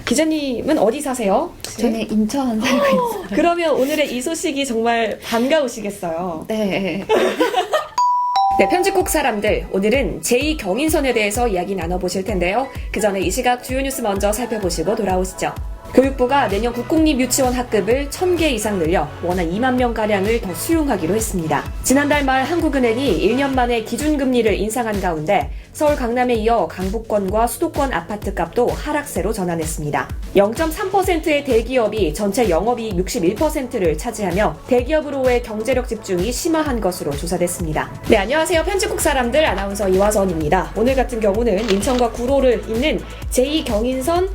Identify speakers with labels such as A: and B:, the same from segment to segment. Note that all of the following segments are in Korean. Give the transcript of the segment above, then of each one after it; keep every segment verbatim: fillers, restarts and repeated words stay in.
A: 기자님은 어디 사세요?
B: 저는 인천 살고 있어요.
A: 그러면 오늘의 이 소식이 정말 반가우시겠어요.
B: 네.
A: 네, 편집국 사람들, 오늘은 제이 경인선에 대해서 이야기 나눠보실 텐데요. 그 전에 이 시각 주요 뉴스 먼저 살펴보시고 돌아오시죠. 교육부가 내년 국공립 유치원 학급을 천 개 이상 늘려 원화 이만 명가량을 더 수용하기로 했습니다. 지난달 말 한국은행이 일 년 만에 기준금리를 인상한 가운데 서울 강남에 이어 강북권과 수도권 아파트값도 하락세로 전환했습니다. 영 점 삼 퍼센트의 대기업이 전체 영업이익 육십일 퍼센트를 차지하며 대기업으로의 경제력 집중이 심화한 것으로 조사됐습니다. 네, 안녕하세요. 편집국 사람들 아나운서 이화선입니다. 오늘 같은 경우는 인천과 구로를 잇는 제이 경인선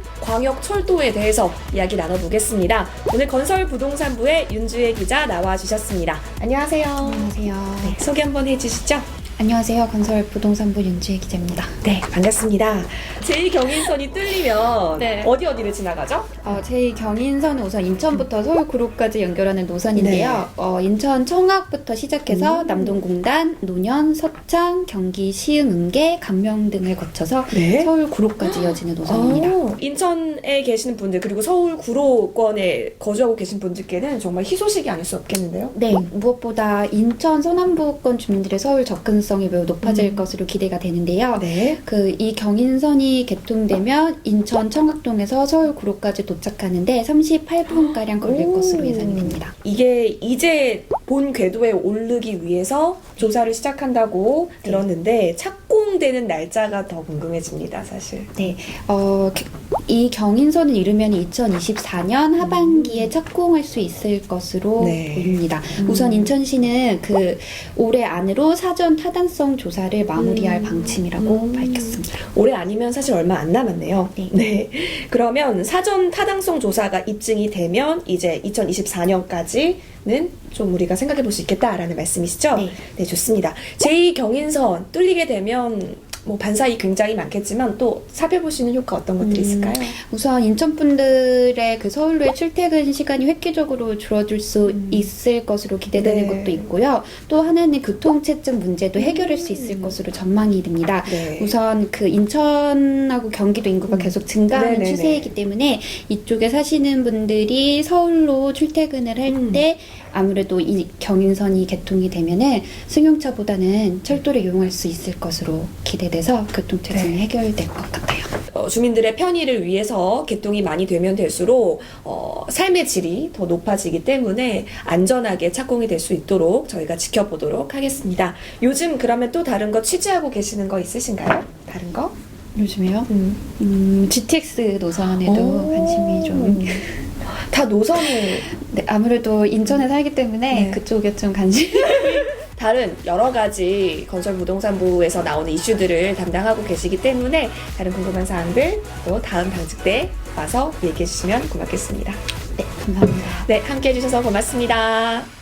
A: 광역철도에 대해서 이야기 나눠보겠습니다. 오늘 건설부동산부의 윤주혜 기자 나와주셨습니다. 안녕하세요.
B: 안녕하세요.
A: 네, 소개 한번 해주시죠.
B: 안녕하세요. 건설부동산부 윤주혜 기자입니다.
A: 네, 반갑습니다. 제이 경인선이 뚫리면
B: 네.
A: 어디 어디를 지나가죠?
B: 어, 제이 경인선은 우선 인천부터 서울 구로까지 연결하는 노선인데요.
A: 네.
B: 어, 인천 청학부터 시작해서
A: 음.
B: 남동공단, 노년, 서창, 경기 시흥, 은계, 감명 등을 거쳐서
A: 네.
B: 서울 구로까지 이어지는 노선입니다.
A: 오, 인천에 계시는 분들 그리고 서울 구로권에 거주하고 계신 분들께는 정말 희소식이 아닐 수 없겠는데요?
B: 네, 무엇보다 인천 서남부권 주민들의 서울 접근성이 매우 높아질
A: 음.
B: 것으로 기대가 되는데요.
A: 네.
B: 그 이 경인선이 개통되면 인천 청학동에서 서울 구로까지 도착하는데 삼십팔 분가량 걸릴
A: 오.
B: 것으로 예상이 됩니다.
A: 이게 이제 본 궤도에 오르기 위해서 조사를 시작한다고
B: 네.
A: 들었는데 착공되는 날짜가 더 궁금해집니다, 사실.
B: 네, 어, 이 경인선을 이루면 이천이십사 년 하반기에 착공할 수 있을 것으로
A: 네.
B: 보입니다.
A: 음.
B: 우선 인천시는 그 올해 안으로 사전 타당성 조사를 마무리할
A: 음.
B: 방침이라고
A: 음.
B: 밝혔습니다.
A: 올해 아니면 사실 얼마 안 남았네요.
B: 네.
A: 네. 그러면 사전 타당성 조사가 입증이 되면 이제 이천이십사 년까지는 좀 우리가 생각해 볼 수 있겠다라는 말씀이시죠?
B: 네.
A: 네, 좋습니다. 제이 경인선 뚫리게 되면 뭐 반사이 굉장히 많겠지만 또 살펴보시는 효과 어떤 것들이
B: 음.
A: 있을까요?
B: 우선 인천 분들의 그 서울로의 출퇴근 시간이 획기적으로 줄어들 수
A: 음.
B: 있을 것으로 기대되는
A: 네.
B: 것도 있고요. 또 하나는 교통체증 문제도 해결할 수 있을
A: 음.
B: 것으로 전망이 됩니다.
A: 네.
B: 우선 그 인천하고 경기도 인구가
A: 음.
B: 계속 증가하는
A: 네네네.
B: 추세이기 때문에 이쪽에 사시는 분들이 서울로 출퇴근을 할
A: 음.
B: 때 아무래도 이 경인선이 개통이 되면은 승용차보다는 철도를 이용할 수 있을 것으로 기대돼서 교통체증이
A: 네.
B: 해결될 것 같아요.
A: 어, 주민들의 편의를 위해서 개통이 많이 되면 될수록 어, 삶의 질이 더 높아지기 때문에 안전하게 착공이 될 수 있도록 저희가 지켜보도록 하겠습니다. 요즘 그러면 또 다른 거 취재하고 계시는 거 있으신가요? 다른 거?
B: 요즘에요?
A: 음.
B: 음, 지티엑스 노선에도
A: 오.
B: 관심이 좀.
A: 다 노선을
B: 네, 아무래도 인천에 살기 때문에
A: 네.
B: 그쪽에 좀 관심.
A: 다른 여러 가지 건설부동산부에서 나오는 이슈들을 담당하고 계시기 때문에 다른 궁금한 사항들 또 다음 당직 때 와서 얘기해 주시면 고맙겠습니다.
B: 네, 감사합니다.
A: 네, 함께 해주셔서 고맙습니다.